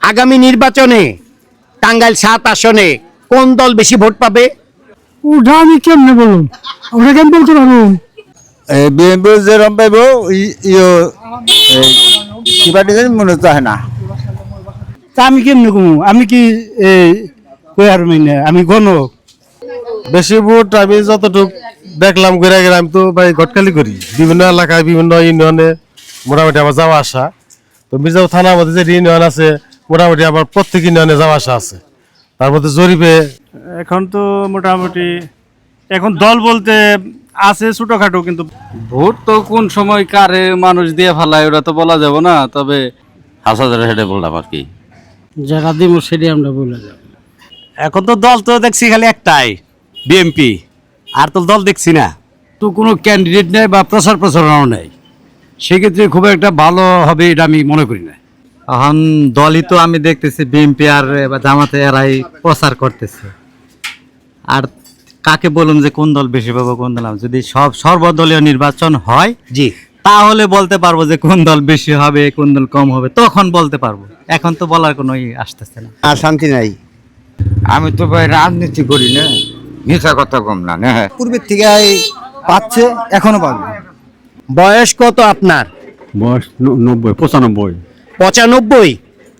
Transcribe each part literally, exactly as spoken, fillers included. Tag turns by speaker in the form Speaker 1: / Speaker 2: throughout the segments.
Speaker 1: আগামী নির্বাচনে টাঙ্গাইল সাত আসনে কোন দল বেশি ভোট পাবে?
Speaker 2: ওটা আমি কেমনে বলুন, ওটা কেমন বলতে পারবো?
Speaker 3: বিএনপি যেরকম পাইব কি পার্টি জানি মনে চায় না।
Speaker 2: তা আমি কেমনে কমু? আমি কি কয়ার মাইনে আমি গণ
Speaker 4: বেশি ভোট আমি যতটুকু দেখলাম ঘুরে গেলে আমি তো ভাই ঘটকালি করি বিভিন্ন এলাকায় বিভিন্ন ইউনিয়নে মোটামুটি আমার যাওয়া আসা। তো মির্জাপুর থানার মধ্যে যে ইউনিয়ন আছে মোটামুটি আমার প্রত্যেক ইউনিয়নে যাওয়া আসা আছে। তার মধ্যে জরিপে
Speaker 5: এখন তো মোটামুটি এখন দল বলতে আছে ছোটখাটো, কিন্তু
Speaker 6: ভোট তো কোন সময় কারে মানুষ দিয়ে ফেলায় ওটা তো বলা যাবে না। তবে হাসাদের হেডে বললাম আর কি,
Speaker 2: যারা দিব সেটি আমরা বলে যাব।
Speaker 1: এখন তো দল তো দেখছি খালি একটাই, বিএনপি। আর তো দল দেখছি না,
Speaker 7: তো কোনো ক্যান্ডিডেট নেই বা প্রচার প্রচারণাও নেই, সেক্ষেত্রে খুব একটা ভালো হবে এটা আমি মনে করি না।
Speaker 8: এখন দলই তো আমি দেখতেছি বিএনপি আর জামাতে এরাই প্রচার করতেছে। আর কাকে বলুন যে কোন দল বেশি পাবো কোন দল, যদি সব সর্বদলীয় নির্বাচন হয়
Speaker 1: জি,
Speaker 8: তাহলে বলতে পারবো যে কোন দল বেশি হবে কোন দল কম হবে, তখন বলতে পারবো। এখন তো বলার কোনো ই আসতেছে না।
Speaker 3: আর শান্তি নাই।
Speaker 9: আমি তো ভাই রাজনীতি করি না, মিথ্যা কথা কম না।
Speaker 3: পূর্বের থেকে পাচ্ছে, এখনো পাবে।
Speaker 1: বয়স কত আপনার?
Speaker 7: বয়স নব্বই পঁচানব্বই।
Speaker 1: পঁচানব্বই।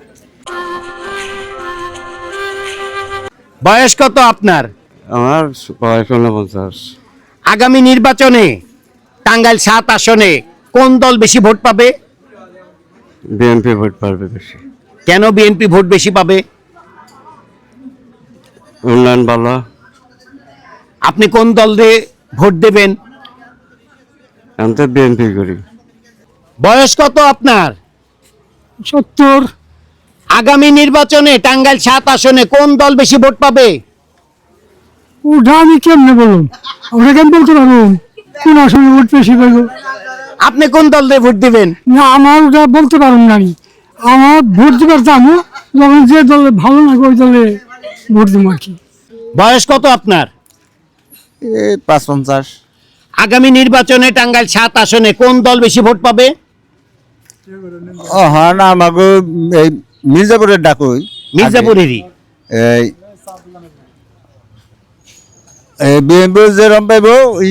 Speaker 1: বয়স কত আপনার?
Speaker 4: আমার বয়স ঊনপঞ্চাশ।
Speaker 1: আগামী নির্বাচনে টাঙ্গাইল সাত আসনে কোন দল বেশি ভোট পাবে?
Speaker 4: বিএনপি ভোট পাবে বেশি।
Speaker 1: কেন বিএনপি ভোট বেশি পাবে?
Speaker 4: উন্নয়ন ভালো।
Speaker 1: আপনি কোন দলে ভোট দেবেন?
Speaker 4: আমি তো বিএনপি করি।
Speaker 1: বয়স কত আপনার?
Speaker 2: সত্তর।
Speaker 1: আগামী নির্বাচনে টাঙ্গাইল সাত আসনে কোন দল বেশি ভোট পাবে?
Speaker 2: ওটা আমি কেমনে বলুন, ওটা কেমন বলতে পারবো? কোন আসনে ভোট বেশি পাইব?
Speaker 1: আপনি কোন দলে ভোট দিবেন?
Speaker 2: না, আমার ওটা বলতে পারুন না। আমি আমার ভোট দিবার জানো, যখন যে দলে ভালো লাগে ওই দলে ভোট দেবো আর কি।
Speaker 1: বয়স কত আপনার?
Speaker 3: পাঁচ পঞ্চাশ।
Speaker 1: আগামী নির্বাচনে টাঙ্গাইল সাত আসনে কোন দল বেশি ভোট পাবে?
Speaker 3: ও হ্যাঁ, না আমাকে এই মির্জাপুরের ডাকই।
Speaker 1: মির্জাপুরেরই।
Speaker 3: এই বিএনপি যেরকম পাইব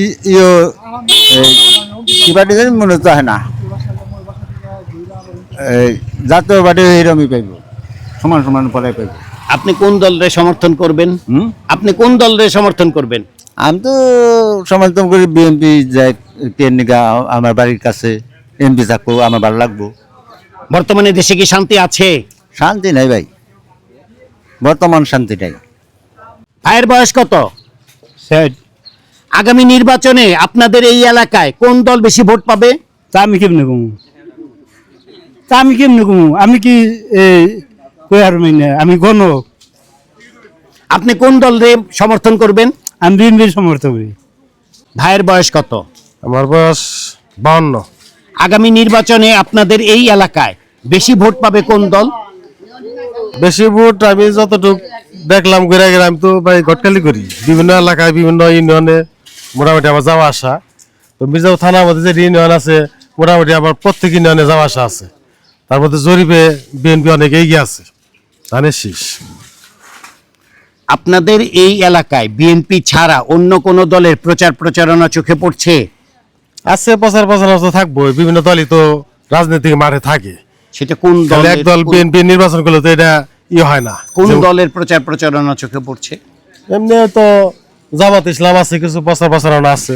Speaker 3: কি পার্টি জানি মনে চায় না। এই জাতীয় পার্টি এইরকমই পাইব, সমান সমান পরে পাইব।
Speaker 1: আপনি কোন দলের সমর্থন করবেন?
Speaker 3: হুম
Speaker 1: আপনি কোন দলের সমর্থন করবেন?
Speaker 3: আমি তো সমর্থন করি বিএনপি। যাই কেনিকা আমার বাড়ির কাছে এমপি থাকবো, আমার ভালো লাগবো।
Speaker 1: বর্তমানে দেশে কি শান্তি আছে?
Speaker 3: শান্তি নাই ভাই, বর্তমান শান্তি নাই।
Speaker 1: ভাইয়ের বয়স কত? আগামী নির্বাচনে আপনাদের এই এলাকায় কোন দল বেশি ভোট পাবে?
Speaker 2: তা আমি কেমনে কমু? তা আমি কেমনে কমু? আমি কি কয়ার মাইনে আমি গণ
Speaker 1: আপনি কোন দলের সমর্থন করবেন?
Speaker 2: আমি বিএনপির সমর্থক করি।
Speaker 1: ভাইয়ের বয়স কত?
Speaker 4: আমার বয়স বাউন্ন।
Speaker 1: আগামী নির্বাচনে আপনাদের এই এলাকায় বেশি ভোট পাবে কোন দল?
Speaker 4: বেশি ভোট আমি যতটুকু দেখলাম ঘুরে গেলে আমি তো ভাই ঘটকালি করি বিভিন্ন এলাকায় বিভিন্ন ইউনিয়নে মোটামুটি আমার যাওয়া আসা। তো মির্জাপুর থানার মধ্যে যে ইউনিয়ন আছে মোটামুটি আমার প্রত্যেক ইউনিয়নে যাওয়া আসা আছে। তার মধ্যে জরিপে বিএনপি অনেক এগিয়ে আছে, ধানের শীষ।
Speaker 1: আপনাদের এই এলাকায় বিএনপি ছাড়া অন্য কোন দলের প্রচার প্রচারণা চোখে পড়ছে?
Speaker 4: আছে, প্রচার প্রচারণা তো থাকবো, বিভিন্ন দলই তো রাজনৈতিক মাঠে থাকে।
Speaker 1: সেটা কোন দল?
Speaker 4: এক দল বিএনপি নির্বাচন করলে তো এটা ইয়ে হয় না।
Speaker 1: কোন দলের প্রচার প্রচারণা চোখে পড়ছে?
Speaker 4: এমনি তো জামাত ইসলাম আছে, কিছু প্রচার প্রচারণা আছে।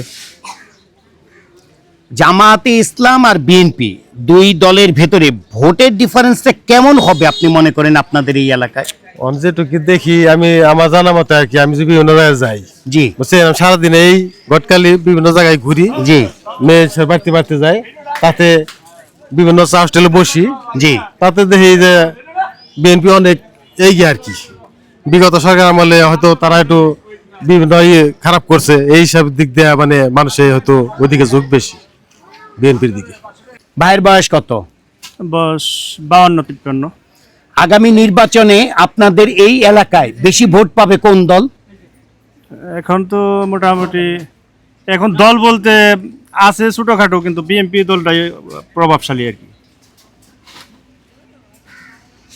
Speaker 1: জামাতে ইসলাম আর বিএনপি দুই দলের ভেতরে ভোটের ডিফারেন্সটা কেমন হবে আপনি মনে করেন আপনাদের এই এলাকায়?
Speaker 4: যেটুকু দেখি আমি আমার জানা মতে আর কি, আমি যদি বিভিন্ন জায়গায় যাই,
Speaker 1: জি
Speaker 4: বুঝছেন, সারাদিন এই গটকালি বিভিন্ন জায়গায় ঘুরি,
Speaker 1: জি
Speaker 4: মেয়ে বাড়তে বাড়তে যাই, তাতে বিভিন্ন চা হোস্টেলে বসি,
Speaker 1: জি
Speaker 4: তাতে দেখি যে বিএনপি অনেক এগিয়ে আর কি। বিগত সরকার আমলে হয়তো তারা একটু বিভিন্ন ইয়ে খারাপ করছে, এই সব দিক দিয়ে মানে মানুষের হয়তো ওইদিকে ঝোঁক বেশি বিএনপির দিকে।
Speaker 1: ভাইয়ের বয়স কত?
Speaker 5: বয়স বাউন্ন তিপ্পান্ন।
Speaker 1: আগামী নির্বাচনে আপনাদের এই এলাকায় বেশি ভোট পাবে কোন দল?
Speaker 5: এখন তো মোটামুটি এখন দল বলতে আছে ছোটখাটো, কিন্তু বিএনপি দলটাই প্রভাবশালী আর কি।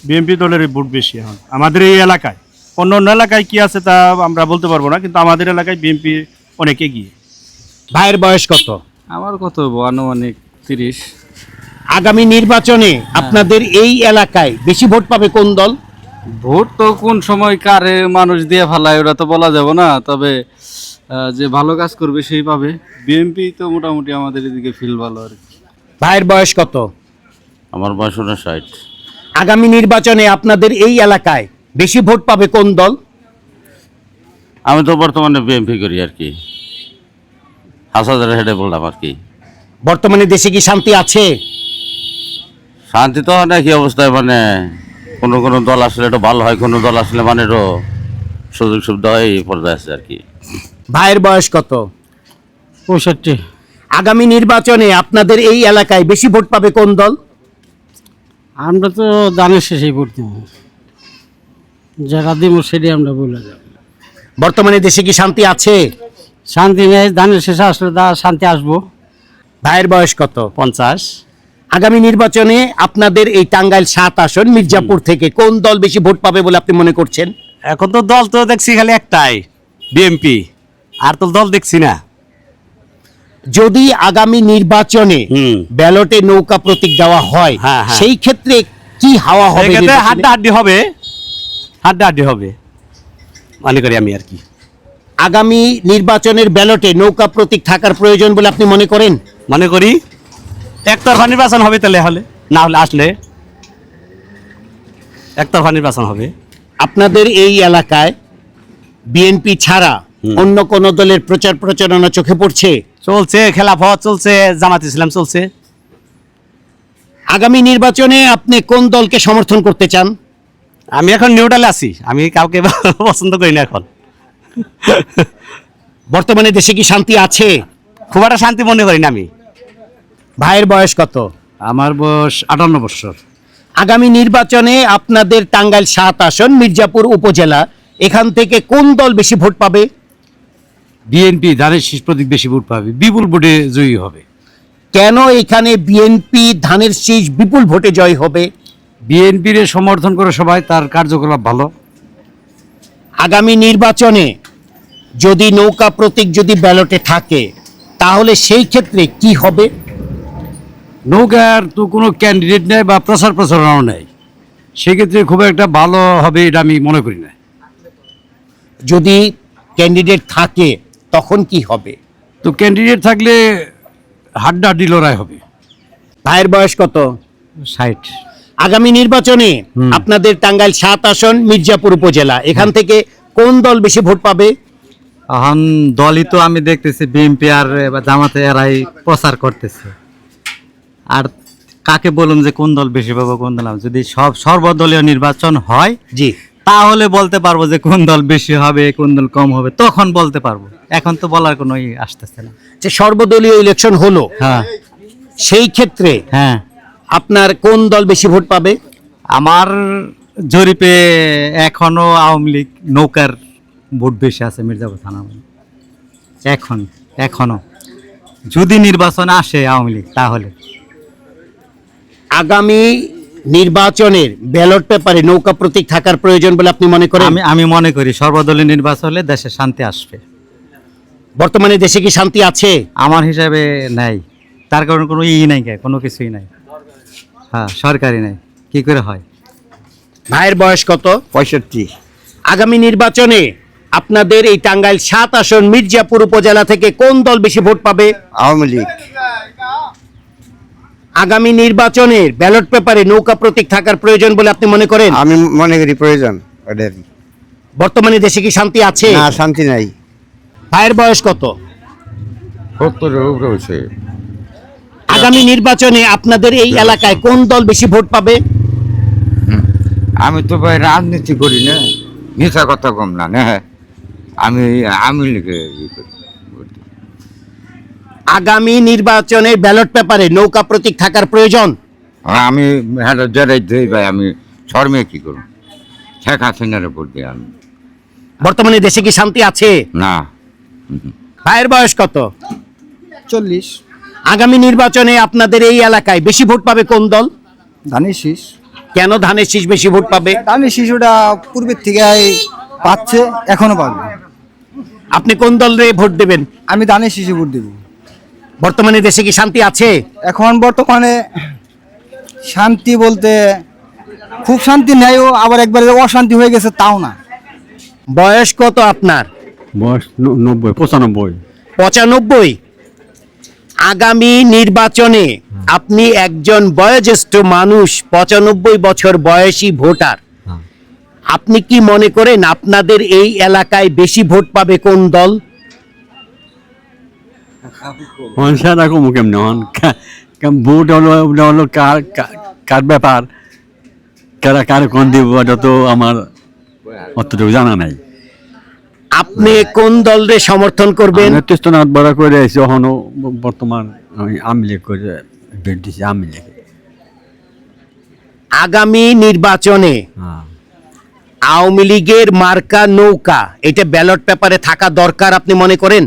Speaker 5: বিএনপি দলের ভোট বেশি এখন আমাদের এই এলাকায়। অন্য অন্য এলাকায় কি আছে তা আমরা বলতে পারবো না, কিন্তু আমাদের এলাকায় বিএনপি অনেক এগিয়ে।
Speaker 1: ভাইয়ের বয়স কত?
Speaker 6: আমার কত হবো? আনুমানিক তিরিশ।
Speaker 1: আগামী নির্বাচনে আপনাদের এই এলাকায় বেশি ভোট পাবে কোন দল?
Speaker 6: ভোট তো কোন সময় কারে মানুষ দিয়ে ফেলায় ওরা তো বলা যাবে না, তবে আহ, যে ভালো কাজ করবে সেই পাবে। বিএনপি তো মোটামুটি আমাদের এদিকে ফিল ভালো আর কি।
Speaker 1: ভাইয়ের বয়স কত?
Speaker 6: আমার বয়স ষাট।
Speaker 1: আগামী নির্বাচনে আপনাদের এই এলাকায় বেশি ভোট পাবে কোন দল?
Speaker 6: আমি তো বর্তমানে বিএনপি করি আর কি, হাসাদের হেডে বললাম আর কি।
Speaker 1: বর্তমানে দেশে কি শান্তি আছে?
Speaker 6: শান্তি তো অনেক অবস্থায়, মানে কোনো কোনো দল আসলে একটু ভালো হয়, কোনো দল আসলে মানে একটু সুযোগ সুবিধা হয়, এই পর্যায়ে আছে আর কি।
Speaker 1: ভাইয়ের বয়স কত?
Speaker 7: পঁয়ষট্টি।
Speaker 1: আগামী নির্বাচনে আপনাদের এই এলাকায় বেশি ভোট পাবে কোন দল?
Speaker 7: আমরা তো দানের শেষেই ভোট দিব, যারা দিব সেটাই আমরা বলে যাব।
Speaker 1: বর্তমানে দেশে কি শান্তি আছে?
Speaker 7: শান্তি নেই, ধানের শেষে আসলে দা শান্তি আসবো।
Speaker 1: ভাইয়ের বয়স কত?
Speaker 7: পঞ্চাশ।
Speaker 1: আগামী নির্বাচনে আপনাদের এই টাঙ্গাইল সাত আসন মির্জাপুর থেকে কোন দল বেশি ভোট পাবে বলে আপনি মনে করছেন?
Speaker 7: এখন তো দল তো দেখছি খালি একটাই, বিএনপি, আর তো দল দেখছি না।
Speaker 1: যদি আগামী নির্বাচনে
Speaker 7: হুম।
Speaker 1: ব্যালটে নৌকা প্রতীক দেওয়া হয়,
Speaker 7: হ্যাঁ, হ্যাঁ।
Speaker 1: সেই ক্ষেত্রে কি হাওয়া হবে?
Speaker 7: সেক্ষেত্রে
Speaker 1: নির্বাচনে?
Speaker 7: হাড্ডাহাড্ডি হবে, হাড্ডাহাড্ডি হবে মনে করি আমি আর কি।
Speaker 1: আগামী নির্বাচনের ব্যালটে নৌকা প্রতীক থাকার প্রয়োজন বলে আপনি মনে করেন?
Speaker 7: মনে করি একতরফা নির্বাচন হবে, তাহলে হলে না হলে আসলে একতরফা নির্বাচন হবে।
Speaker 1: আপনাদের এই এলাকায় বিএনপি ছাড়া অন্য কোন দলের প্রচার প্রচারণা চোখে পড়ছে?
Speaker 7: চলছে, খেলাফত চলছে, জামাত ইসলাম চলছে।
Speaker 1: আগামী নির্বাচনে আপনি কোন দলকে সমর্থন করতে চান?
Speaker 7: আমি এখন নিউট্রালে আছি, আমি কাউকে পছন্দ করি না এখন।
Speaker 1: বর্তমানে দেশে কি শান্তি আছে?
Speaker 7: খুব একটা শান্তি মনে করি না আমি।
Speaker 1: ভাইয়ের বয়স কত?
Speaker 7: আমার বয়স আটান্ন বছর।
Speaker 1: আগামী নির্বাচনে আপনাদের টাঙ্গাইল সাত আসন মির্জাপুর উপজেলা, এখান থেকে কোন দল বেশি ভোট পাবে?
Speaker 7: বিএনপি ধানের শীষ প্রতীক বেশি ভোট পাবে, বিপুল ভোটে জয়ী হবে।
Speaker 1: কেন এখানে বিএনপি ধানের শীষ বিপুল ভোটে জয় হবে?
Speaker 7: বিএনপির সমর্থন করে সবাই, তার কার্যকলাপ ভালো।
Speaker 1: আগামী নির্বাচনে যদি নৌকা প্রতীক যদি ব্যালটে থাকে, তাহলে সেই ক্ষেত্রে কি হবে?
Speaker 7: নৌকার তো কোনো ক্যান্ডিডেট নেই বা প্রচার প্রচারণাও নেই, সেক্ষেত্রে খুব একটা ভালো হবে এটা আমি মনে করি না।
Speaker 1: যদি ক্যান্ডিডেট থাকে তখন কি হবে?
Speaker 7: তো ক্যান্ডিডেট থাকলে হাড্ডাহাড্ডি লড়াই হবে।
Speaker 1: ভাইয়ের বয়স কত?
Speaker 7: ষাট।
Speaker 1: আগামী নির্বাচনে আপনাদের টাঙ্গাইল সাত আসন মির্জাপুর উপজেলা, এখান থেকে কোন দল বেশি ভোট পাবে?
Speaker 8: এখন দলই তো আমি দেখতেছি বিএনপি আর এবার জামাতে এরাই প্রচার করতেছে। আর কাকে বলুন যে কোন দল বেশি পাবো কোন দল, যদি সব সর্বদলীয় নির্বাচন হয়
Speaker 1: জি,
Speaker 8: তাহলে বলতে পারবো যে কোন দল বেশি হবে কোন দল কম হবে, তখন বলতে পারবো। এখন তো বলার কোনো ই আসতেছে না।
Speaker 1: যে সর্বদলীয় ইলেকশন হলো,
Speaker 8: হ্যাঁ
Speaker 1: সেই ক্ষেত্রে
Speaker 8: হ্যাঁ
Speaker 1: আপনার কোন দল বেশি ভোট পাবে?
Speaker 8: আমার জরিপে এখনো আওয়ামী লীগ নৌকার ভোট বেশি আছে মির্জাপুর থানা। এখন এখনো যদি নির্বাচন আসে আওয়ামী লীগ, তাহলে
Speaker 1: আগামী নির্বাচনের ব্যালট পেপারে নৌকা প্রতীক থাকার প্রয়োজন বলে আপনি মনে করেন?
Speaker 8: আমি আমি মনে করি সর্বদলীয় নির্বাচন হলে দেশে শান্তি আসবে।
Speaker 1: বর্তমানে দেশে কি শান্তি আছে?
Speaker 8: আমার হিসাবে নাই, তার কারণে কোনো ই নাই, কোনো কিছুই নাই। হ্যাঁ, সরকারি নাই, কি করে হয়?
Speaker 1: ভাইয়ের বয়স কত?
Speaker 3: পঁয়ষট্টি।
Speaker 1: আগামী নির্বাচনে আপনাদের এই টাঙ্গাইল সাত আসন মির্জাপুর উপজেলা থেকে কোন দল বেশি ভোট পাবে?
Speaker 3: আওয়ামী লীগ।
Speaker 1: আগামী নির্বাচনের ব্যালট পেপারে নৌকা প্রতীক থাকার প্রয়োজন বলে আপনি মনে করেন?
Speaker 3: আমি মনে করি প্রয়োজন ওদের।
Speaker 1: বর্তমানে দেশে কি শান্তি আছে?
Speaker 3: না, শান্তি নাই।
Speaker 1: ভাইয়ের বয়স কত?
Speaker 9: সত্তরের উপরে হয়েছে।
Speaker 1: আগামী নির্বাচনে আপনাদের এই এলাকায় কোন দল বেশি ভোট পাবে?
Speaker 9: আমি তো ভাই রাজনীতি করি না, মিথ্যা কথা কম না না। আমি আমি লিখে ই করি।
Speaker 1: আগামী নির্বাচনের ব্যালট পেপারে নৌকা প্রতীক থাকার প্রয়োজন?
Speaker 9: আর আমি হ্যাঁ যারাই দেই ভাই, আমি শর্মে কি করব? শেখ হাসিনার ভোট দিই আমি।
Speaker 1: বর্তমানে দেশে কি শান্তি আছে?
Speaker 9: না।
Speaker 1: ভাইয়ের বয়স কত?
Speaker 2: চল্লিশ।
Speaker 1: আগামী নির্বাচনে আপনাদের এই এলাকায় বেশি ভোট পাবে কোন দল?
Speaker 2: ধানের শীষ।
Speaker 1: কেন ধানের শীষ বেশি ভোট পাবে?
Speaker 10: ধানের শিশুটা পূর্বের থেকে পাচ্ছে, এখনো পাবে।
Speaker 1: আপনি কোন দলে ভোট দেবেন?
Speaker 10: আমি ধানের শিশু ভোট দেব।
Speaker 1: বর্তমানে দেশে কি শান্তি আছে?
Speaker 10: এখন বর্তমানে শান্তি বলতে খুব শান্তি নেয়ও, আবার একবারে অশান্তি হয়ে গেছে তাও না।
Speaker 1: বয়স কত আপনার?
Speaker 7: বয়স নব্বই পঁচানব্বই।
Speaker 1: পঁচানব্বই। আগামী নির্বাচনে আপনি একজন বয়োজ্যেষ্ঠ মানুষ, পঁচানব্বই বছর বয়সী ভোটার, আপনি কি মনে করেন আপনাদের এই এলাকায় বেশি ভোট পাবে কোন দল?
Speaker 7: সেটা কমু কেমন হন, ভোট হলো ওটা হলো কার কার ব্যাপার, কারা কার কোন দিব ওটা তো আমার অতটুকু জানা নাই।
Speaker 1: আপনি কোন দলরে সমর্থন করবেন?
Speaker 7: তেস্তনাথ বড় করে আছি, এখনো বর্তমান আমি আওয়ামী লীগ করে ভোট দিছি, আওয়ামী লীগ।
Speaker 1: আগামী নির্বাচনে
Speaker 7: হ্যাঁ,
Speaker 1: আওয়ামী লীগের মার্কা নৌকা, এটা ব্যালট পেপারে থাকা দরকার আপনি মনে করেন?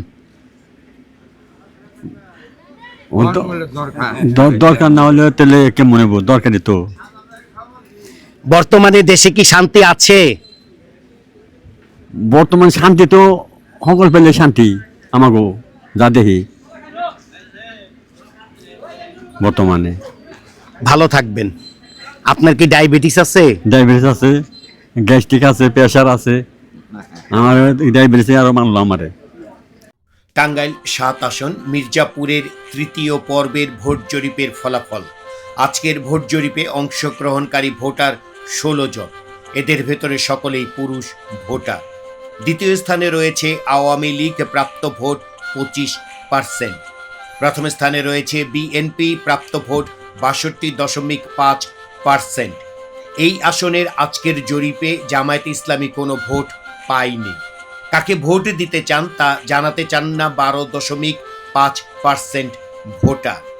Speaker 7: ও তো দ- দরকার না হলে তাহলে কেমন হইব, দরকারই তো।
Speaker 1: বর্তমানে দেশে কি শান্তি আছে?
Speaker 7: বর্তমান শান্তি তো সকল পেলে শান্তি আমাগো যা দেখি বর্তমানে।
Speaker 1: ভালো থাকবেন। আপনার কি ডায়াবেটিস আছে?
Speaker 7: ডায়াবেটিস আছে, গ্যাস্ট্রিক আছে, প্রেশার আছে। আমার ডায়াবেটিস আরো মানলো আমারে।
Speaker 1: টাঙ্গাইল সাত আসন মির্জাপুরের তৃতীয় পর্বের ভোট জরিপের ফলাফল। আজকের ভোট জরিপে অংশগ্রহণকারী ভোটার ষোলো জন, এদের ভেতরে সকলেই পুরুষ ভোটার। দ্বিতীয় স্থানে রয়েছে আওয়ামী লীগ, প্রাপ্ত ভোট পঁচিশ পার্সেন্ট। প্রথম স্থানে রয়েছে বিএনপি, প্রাপ্ত ভোট বাষট্টি দশমিক পাঁচ পার্সেন্ট। এই আসনের আজকের জরিপে জামায়াতে ইসলামী কোনো ভোট পায়নি। কাকে ভোট দিতে চান তা জানাতে চান না বারো দশমিক পাঁচ পার্সেন্ট ভোটার।